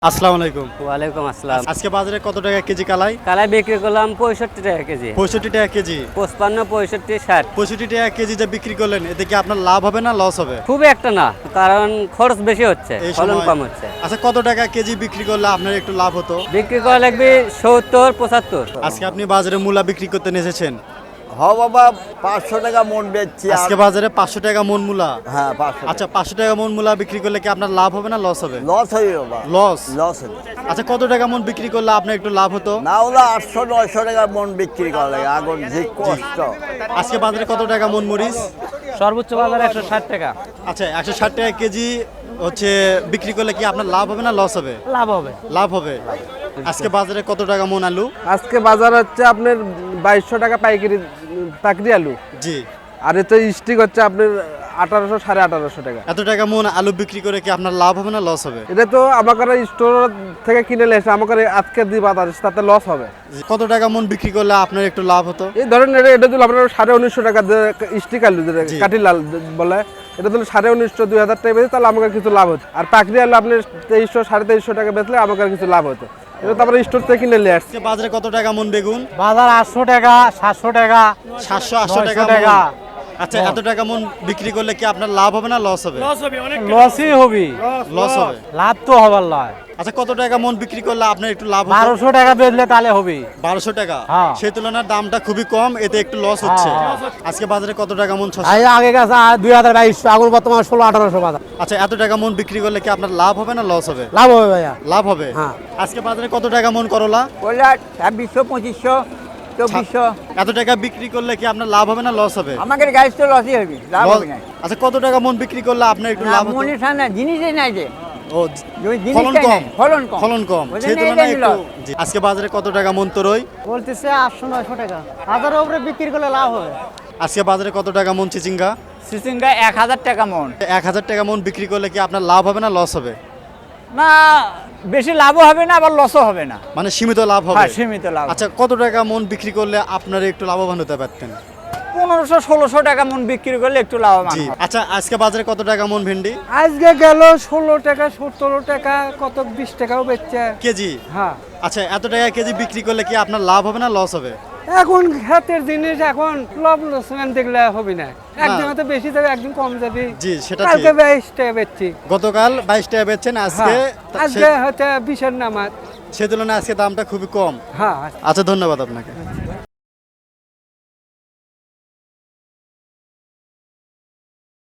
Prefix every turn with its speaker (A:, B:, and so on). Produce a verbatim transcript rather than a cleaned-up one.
A: আসসালামু আলাইকুম।
B: ওয়ালাইকুম আসসালাম।
A: আজকে বাজারে কত টাকা কেজি কালাই?
B: কালাই বিক্রি করলাম পঁয়ষট্টি টাকা কেজি।
A: পঁয়ষট্টি টাকা কেজি।
B: পঁচপান্ন, পঁয়ষট্টি, ষাট।
A: পঁয়ষট্টি টাকা কেজি যে বিক্রি করলেন, এতে কি আপনার লাভ হবে না লস হবে?
B: খুব একটা না, কারণ খরচ বেশি হচ্ছে,
A: এই
B: ফলন
A: সময়-
B: কম হচ্ছে।
A: আচ্ছা, কত টাকা কেজি বিক্রি করলে আপনার একটু লাভ হতো?
B: বিক্রি করা লাগবে সত্তর, পঁচাত্তর।
A: আজকে আপনি বাজারে মূলা বিক্রি করতে এসেছেন।
C: হ বাবা, পাঁচশো টাকা মন বেচছি। আর-
A: আজকে বাজারে পাঁচশো টাকা মন মূলা।
C: হ্যাঁ, পাঁচশো।
A: আচ্ছা, পাঁচশো টাকা মন মূলা বিক্রি করলে কি আপনার লাভ হবে না লস হবে?
C: লস হয়ে বাবা,
A: লস।
C: লস হবে।
A: আচ্ছা, কত টাকা মন বিক্রি করলে আপনার একটু লাভ হতো?
C: না হলে আটশো নয়শো টাকা মন বিক্রি করা লাগে, আগুন যে কষ্ট।
A: আজকে বাজারে কত টাকা মন মরিচ?
B: সর্বোচ্চ বাজার একশো ষাট টাকা।
A: আচ্ছা, একশো ষাট টাকা কেজি হচ্ছে বিক্রি করলে কি আপনার লাভ হবে না লস হবে?
B: লাভ হবে।
A: লাভ হবে। আজকে বাজারে কত টাকা মন আলু?
D: আজকে বাজার হচ্ছে আপনার বাইশশো টাকা পাইকারি পাকড়ি আলু,
A: জি।
D: আর এতে স্টিক হচ্ছে আপনার আঠারোশো সাড়ে আঠারোশো টাকা।
A: এত টাকা মন আলু বিক্রি করে কি আপনার লাভ হবে না লস হবে?
D: এটা তো আমাকে স্টোর থেকে কিনে নিয়ে এসে আমাকে আজকে দিয়ে বাজার এসে তাতে লস হবে।
A: কত টাকা মন বিক্রি করলে আপনার একটু লাভ হতো?
D: এই ধরেন এটা এটা দিল আপনার সাড়ে উনিশশো টাকা স্টিক আলু যেটা
A: জি।
D: কাঠি লাল বলে, এটা দিল সাড়ে উনিশশো দুই হাজার টাকা বেঁচে তাহলে আমাকে কিছু লাভ হতো। আর পাকড়ি আলু আপনি তেইশশো সাড়ে তেইশশো টাকা বেচলে আমাকে কিছু লাভ হতো। এটা তো আমরা স্টোর থেকে কিনে নিয়ে আসছি।
A: আজকে বাজারে কত টাকা মন বেগুন?
E: বাজার আটশো টাকা, সাতশো টাকা,
A: সাতশো আটশো টাকা
E: নয়শো টাকা।
A: মন। আচ্ছা, এত টাকা মন বিক্রি করলে কি আপনার লাভ হবে না লস হবে?
E: লসই হবি,
A: লস হবে।
E: লাভ তো হবার নয়।
A: আচ্ছা, কত টাকা মন বিক্রি করলে আপনার একটু লাভ হতো?
E: বারোশো টাকা বেচলে তাহলে হবি।
A: বারোশো টাকা।
E: হ্যাঁ।
A: সেই তুলনায় দামটা খুবই কম, এতে একটু লস হচ্ছে।
E: হ্যাঁ।
A: আজকে বাজারে কত টাকা মন? ছশো।
E: আগে আগে গেছে দুই হাজার বাইশশো, এখন বর্তমান ষোলো আঠারোশো বাজার।
A: আচ্ছা, এত টাকা মন বিক্রি করলে কি আপনার লাভ হবে না লস হবে?
E: লাভ হবে ভাইয়া।
A: লাভ হবে।
E: হ্যাঁ।
A: আজকে বাজারে কত টাকা মন করলা?
C: বললে ছাব্বিশশো, পঁচিশশো, চব্বিশশো।
A: এত টাকা বিক্রি করলে কি আপনার লাভ হবে না লস হবে?
C: আমাদের গাড়ি তো লসই হবে, লাভ হবে না।
A: আচ্ছা, কত টাকা মন বিক্রি করলে আপনার একটু লাভ হতো?
C: মনে সামনে জিনিসই নাই যে,
A: ও,
C: ওই
A: ফলন
C: জিনিসটাই
A: কম।
C: নাই, ফলন কম।
A: ফলন কম।
C: ওই
A: সেই
C: জন্য
A: তুলনায়
C: এটাই
A: একটু
C: loss।
A: জি। আজকে বাজারে কত টাকা মন তরই?
E: বলতেছে আটশো নয়শো টাকা, হাজারের উপরে বিক্রি করলে লাভ হবে।
A: আজকে বাজারে কত টাকা মন চিচিঙ্গা?
C: সিসিঙ্গা এক হাজার টাকা মন।
A: এক হাজার টাকা মন বিক্রি করলে কি আপনার লাভ হবে না লস হবে?
C: না, বেশি লাভও হবে না, আবার লসও হবে না।
A: মানে সীমিত লাভ হবে।
C: হ্যাঁ, সীমিত লাভ।
A: আচ্ছা, কত টাকা মন বিক্রি করলে আপনার একটু লাভবান হতে পারতেন?
C: পনেরোশো ষোলোশো টাকা মন বিক্রি করলে একটু লাভবান
A: জি।
C: হবে।
A: আচ্ছা, আজকে বাজারে কত টাকা মন ভেন্ডি?
D: আজকে গেল ষোলো টাকা, সতেরো টাকা, কত বিশ টাকাও বেচছে।
A: কেজি?
D: হ্যাঁ,
A: আচ্ছা, এত টাকা কেজি বিক্রি করলে কি আপনার লাভ হবে না লস হবে?
D: এখন হাতের জিনিস, এখন লাভ লোকসান দেখলে হবে না। একদিন হয়তো বেশি যাবে, একদিন কম যাবে।
A: জি, সেটা
D: কালকে
A: ঠিক।
D: বাইশ টাকা বেচছি।
A: গতকাল বাইশ টাকা বেচছেন, আজকে
D: হ্যাঁ, আজকে হয়তো বিশের নামাজ।
A: সে তুলনায় আজকে দামটা খুবই কম।
D: হ্যাঁ।
A: আচ্ছা, ধন্যবাদ আপনাকে।